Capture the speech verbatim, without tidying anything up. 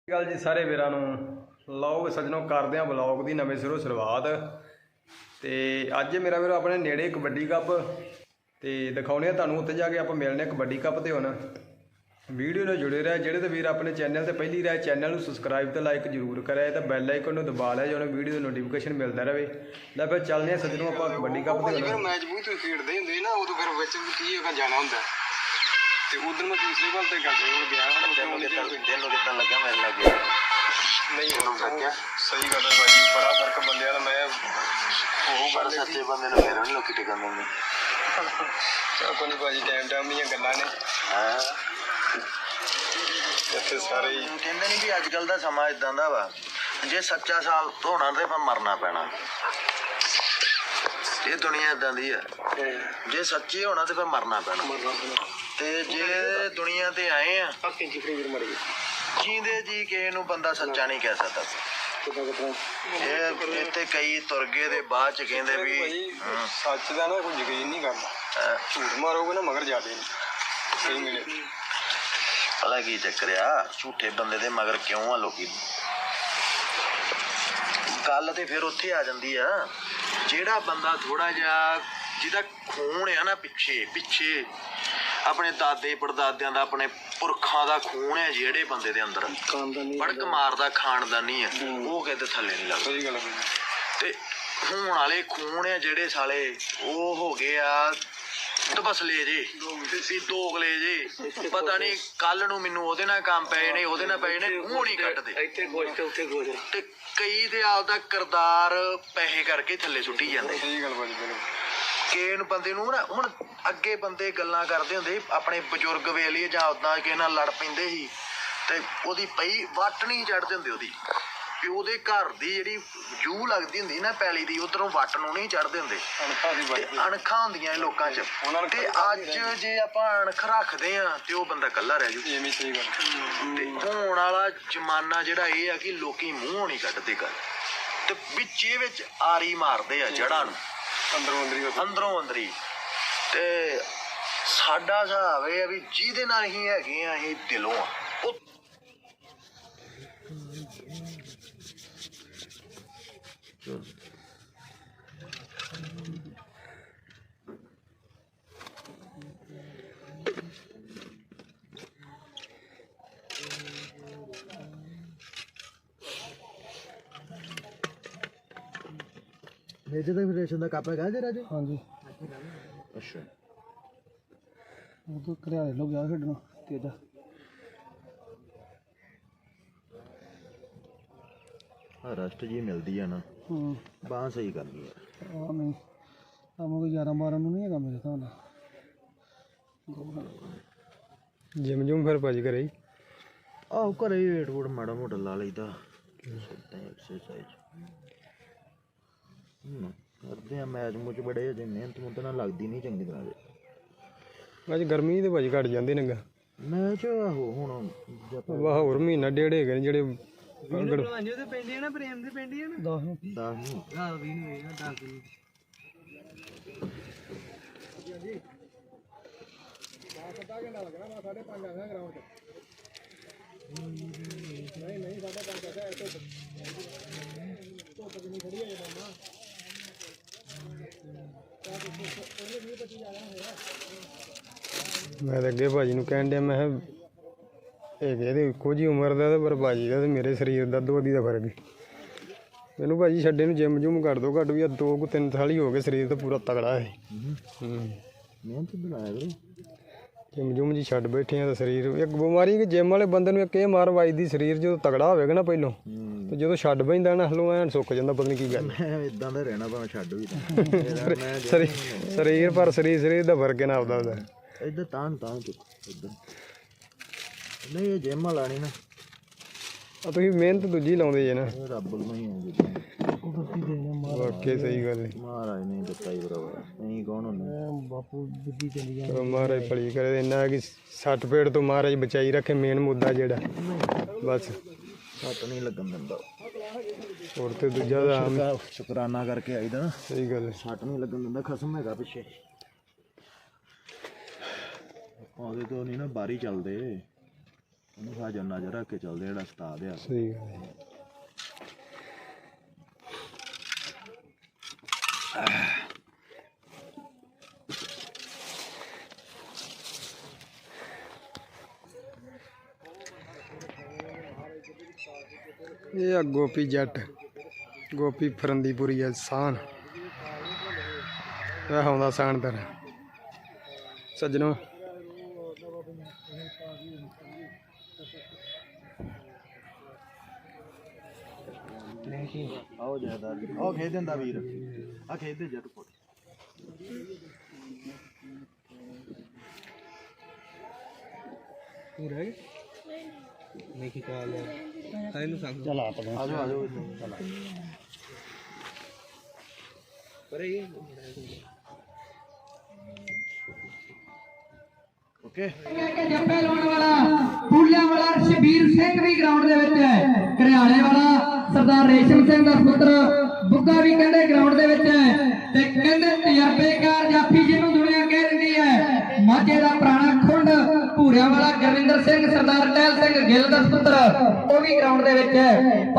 गल जी सारे वीरां नूं लो सजनों करदे हां ब्लॉग की नवें सिरों शुरुआत। तो अज मेरा वीरो अपने नेड़े कबड्डी कप तो दिखाने तुहानूं उत्थे जाके आप मिलने कबड्डी कप ते हुण वीडियो नाल जुड़े रहे। जिहड़े तो वीर अपने चैनल ते पहली रहे चैनल नूं सबसक्राइब तो लाइक जरूर करे तो बैल आइकन नूं दबा लिया जो वीडियो की नोटिफिकेशन मिलता रहे। लै फिर चलने सजनों आप कबड्डी कप ते हुण मैच बूत खेडदे हुंदे ना उदों फिर विच की जाना हुंदा ते उधर मैं दूसरी बार ते गड्डे हो गया तेनों तेनों किदां लगा मेरे लगे नहीं हो सही गल है भाजी बड़ा फर्क बंदे दा मैं ਉਹ ਬੜਾ ਸੱਚੇ ਬੰਦੇ ਨੂੰ ਮੇਰੇ ਨੂੰ ਲੋਕੀ ਟਿਕਣ ਦਿੰਦੇ ਚਾ ਕੋਈ ਭਾਜੀ ਟਾਈਮ ਟਾਈਮ ਦੀਆਂ ਗੱਲਾਂ ਨੇ ਹਾਂ ਇੱਥੇ ਸਾਰੇ ਕਹਿੰਦੇ ਨਹੀਂ ਵੀ ਅੱਜ ਕੱਲ ਦਾ ਸਮਾਂ ਇਦਾਂ ਦਾ ਵਾ ਜੇ ਸੱਚਾ ਸਾਲ ਹੋਣਾ ਤੇ ਫਿਰ ਮਰਨਾ ਪੈਣਾ ਇਹ ਦੁਨੀਆ ਇਦਾਂ ਦੀ ਆ ਜੇ ਸੱਚੇ ਹੋਣਾ ਤੇ ਫਿਰ ਮਰਨਾ ਪੈਣਾ ਤੇ ਜੇ ਦੁਨੀਆ ਤੇ ਆਏ ਆ ਜੀਂਦੇ ਜੀ ਕਿਸੇ ਨੂੰ ਬੰਦਾ ਸੱਚਾ ਨਹੀਂ ਕਹਿ ਸਕਦਾ। ਇਹ ਇੱਥੇ ਕਈ ਤੁਰ ਗਏ ਦੇ ਬਾਅਦ ਚ ਕਹਿੰਦੇ ਵੀ ਸੱਚ ਦਾ ਨਾ ਕੋਈ ਯਕੀਨ ਨਹੀਂ ਕਰਦਾ ਝੂਠ ਮਾਰੋਗੇ ਨਾ ਮਗਰ ਜਾਦੇ ਸਹੀ ਮਿਲੇ ਪਤਾ ਕੀ ਚੱਕਰ ਆ ਝੂਠੇ ਬੰਦੇ ਦੇ ਮਗਰ ਕਿਉਂ ਆ ਲੋਕੀ ਗੱਲ ਤੇ ਫਿਰ ਉੱਥੇ ਆ ਜਾਂਦੀ ਆ ਜਿਹੜਾ ਬੰਦਾ ਥੋੜਾ ਜਿਹਾ ਜਿਹਦਾ ਖੂਨ ਆ ਨਾ ਪਿੱਛੇ ਪਿੱਛੇ ਆਪਣੇ ਦਾਦੇ ਪੜਦਾਦਿਆਂ ਦਾ ਆਪਣੇ ਪੁਰਖਾਂ ਦਾ ਖੂਨ ਹੈ ਜਿਹੜੇ ਬੰਦੇ ਦੇ ਅੰਦਰ ਬੜਕ ਮਾਰਦਾ ਖਾਨਦਾਨੀ ਆ ਉਹ ਕਿਤੇ ਥੱਲੇ ਨਹੀਂ ਲੱਗਦਾ। ਸਹੀ ਗੱਲ ਤੇ ਹੁਣ ਵਾਲੇ ਖੂਨ ਹੈ ਜਿਹੜੇ ਸਾਲੇ ਉਹ ਹੋ ਗਏ ਆ ਤਬਸਲੇ ਜੇ ਵੀ ਦੋਗਲੇ ਜੇ ਪਤਾ ਨਹੀਂ ਕੱਲ ਨੂੰ ਮੈਨੂੰ ਉਹਦੇ ਨਾਲ ਕੰਮ ਪਏ ਨੇ ਉਹਦੇ ਨਾਲ ਪਏ ਨੇ ਮੂੰਹ ਨਹੀਂ ਕੱਢਦੇ ਇੱਥੇ ਗੋਸ਼ ਤੇ ਉੱਥੇ ਗੋਸ਼ ਤੇ ਕਈ ਤੇ ਆਪਦਾ ਕਿਰਦਾਰ ਪੈਸੇ ਕਰਕੇ ਥੱਲੇ ਸੁੱਟੀ ਜਾਂਦੇ। ਸਹੀ ਗੱਲ ਬਾਜੀ ਕਿਸੇ ਨੂੰ ਬੰਦੇ ਨੂੰ ਨਾ ਹੁਣ ਅੱਗੇ ਬੰਦੇ ਗੱਲਾਂ ਕਰਦੇ ਹੁੰਦੇ ਆਪਣੇ ਬਜ਼ੁਰਗ ਵੇਲੇ ਜਾਂ ਉਦਾਂ ਕਿਸੇ ਨਾਲ ਲੜ ਪੈਂਦੇ ਸੀ ਤੇ ਉਹਦੀ ਪਈ ਵੱਟ ਨਹੀਂ ਚੜ੍ਹਦੇ ਹੁੰਦੇ ਉਹਦੀ ਵੀ ਉਹਦੇ ਘਰ ਦੀ ਜਿਹੜੀ ਜੂਹ ਲੱਗਦੀ ਹੁੰਦੀ ਨਾ ਪੈਲੀ ਦੀ ਉਧਰੋਂ ਵੱਟ ਨੂੰ ਨਹੀਂ ਚੜ੍ਹਦੇ ਹੁੰਦੇ ਅਣਖਾਂ ਹੁੰਦੀਆਂ ਲੋਕਾਂ 'ਚ ਤੇ ਅੱਜ ਜੇ ਆਪਾਂ ਅਣਖ ਰੱਖਦੇ ਆ ਤੇ ਉਹ ਬੰਦਾ ਇਕੱਲਾ ਰਹਿ ਜੂ। ਤੇ ਹੁਣ ਵਾਲਾ ਜ਼ਮਾਨਾ ਜਿਹੜਾ ਇਹ ਆ ਕਿ ਲੋਕੀ ਮੂੰਹੋਂ ਨਹੀਂ ਕੱਢਦੇ ਗੱਲ ਤੇ ਵਿੱਚੇ ਵਿੱਚ ਆਰੀ ਮਾਰਦੇ ਆ ਜੜ੍ਹਾਂ ਨੂੰ ਅੰਦਰੋਂ ਅੰਦਰੀ ਅੰਦਰੋਂ ਅੰਦਰੀ ਤੇ ਸਾਡਾ ਹਿਸਾਬ ਇਹ ਆ ਵੀ ਜਿਹਦੇ ਨਾਲ ਹੀ ਹੈਗੇ ਆ ਇਹ ਦਿਲੋਂ ਆ ਉਹ मेजे तो रेशन का कप है जे राजू। हाँ जी अच्छा वो तो घरियाले लोग जा खेडना तेजा रस्ट जी मिलती है ना बांह सही कर ली है नहीं काम कोई ग्यारह बारह नहीं है मेरे हिसाब नाल जिम जुम फिर भाजी घरे ही आहो घरे ही वेट वूट माड़ा मोटा ला लईदा एक्सरसाइज करते हैं मैच मुच बड़े अजे मेहनत मुहनत ना लगती नहीं चंगी तरह अज गर्मी तो भाजी घट जाती ने मैच आहो हुण वाह होर महीना डेढ़ है जेह्ड़े मैं अगे भाजी नूं कहण दिया मैं इक्को जी उम्र का पर भाजी का मेरे शरीर का दोधी का फर्क है। मैनू भाजी छड्डे नूं जिम जुम कर दो घट भी दो तीन साल ही हो गए शरीर तो पूरा तगड़ा है जिम जुम जी छड्ड बैठे हैं तो शरीर एक बीमारी कि जिम वाले बंदे नूं एक ये मार वजदी शरीर जो तगड़ा होगा ना पहलों तो जो छड्ड पैंदा ना हलों ऐन सुक जाता पता नहीं की गल इदां दा रहना भावें छड्ड भी शरीर पर शरीर शरीर का फर्क है ना आपदा दा इधर तां तां इधर नहीं ये जिम वाला नहीं ना तुसीं मेहनत दूजी लाउंदे जे ना रब नूं ही है वाकई सही गल है महाराज नहीं दिता ही बराबर नहीं कौन होंगे बापू बुद्धि चली जाए महाराज भली करे इन्ना कि सट पेट तो महाराज बचाई रखे मेन मुद्दा जेड़ा बस सट नहीं लगन दिंदा और तो दूजा शुकराना करके आई दा सही गल सट नहीं लगन दिंदा खसम हैगा पिछे ਉਹਦੇ ਤੋਂ ਨਹੀਂ ਨਾ ਬਾਰੀ ਚੱਲਦੇ ਉਹਨੂੰ ਸਾਜੋ ਨਜ਼ਰ ਰੱਖ ਕੇ ਚੱਲਦੇ ਜਿਹੜਾ ਉਸਤਾਦ ਆ। ਸਹੀ ਗੱਲ ਹੈ। ਇਹ ਆ ਗੋਪੀ ਜੱਟ, ਗੋਪੀ ਫਰੰਦੀਪੁਰੀ ਆ ਸਾਨ, ਇਹ ਆਉਂਦਾ ਸਾਨਦਰ ਸੱਜਣੋ। ਆਓ ਜਾਇਦਾਰ ਆਓ ਖੇਡ ਦਿੰਦਾ ਵੀਰ ਆ ਖੇਡਦੇ ਜੱਟ ਕੋਲ ਪੂਰਾ ਨਹੀਂ ਕੀ ਕਾਲ ਹੈ ਸਾਰੇ ਨੂੰ ਸੰਗ ਚਲ ਆ ਪਾ ਆਜੋ ਆਜੋ ਚਲ ਪਰ ਇਹ ਓਕੇ ਜੱਫੇ ਲਾਉਣ ਵਾਲਾ ਫੂਲਿਆਂ ਵਾਲਾ ਸ਼ਬੀਰ ਸਿੰਘ ਵੀ ਗਰਾਊਂਡ ਦੇ ਵਿੱਚ ਹੈ। ਘਰਿਆਲੇ ਵਾਲਾ ਸਰਦਾਰ ਰੇਸ਼ਮ ਸਿੰਘ ਦਾ ਪੁੱਤਰ ਬੁੱਗਾ ਵੀ ਕਹਿੰਦੇ ਗਰਾਊਂਡ ਦੇ ਵਿੱਚ ਹੈ। ਤੇ ਕਹਿੰਦੇ ਤਜਰਬੇਕਾਰ ਜਾਫੀ ਜਿਹਨੂੰ ਦੁਨੀਆ ਕਹਿ ਦਿੰਦੀ ਹੈ। ਮਾਝੇ ਦਾ ਪੁਰਾਣਾ ਖੁੰਡ ਭੂਰਿਆਂ ਵਾਲਾ ਗੁਰਵਿੰਦਰ ਸਿੰਘ ਸਰਦਾਰ ਟਹਿਲ ਸਿੰਘ ਗਿੱਲ ਦਾ ਪੁੱਤਰ ਉਹ ਵੀ ਗਰਾਊਂਡ ਦੇ ਵਿੱਚ ਹੈ।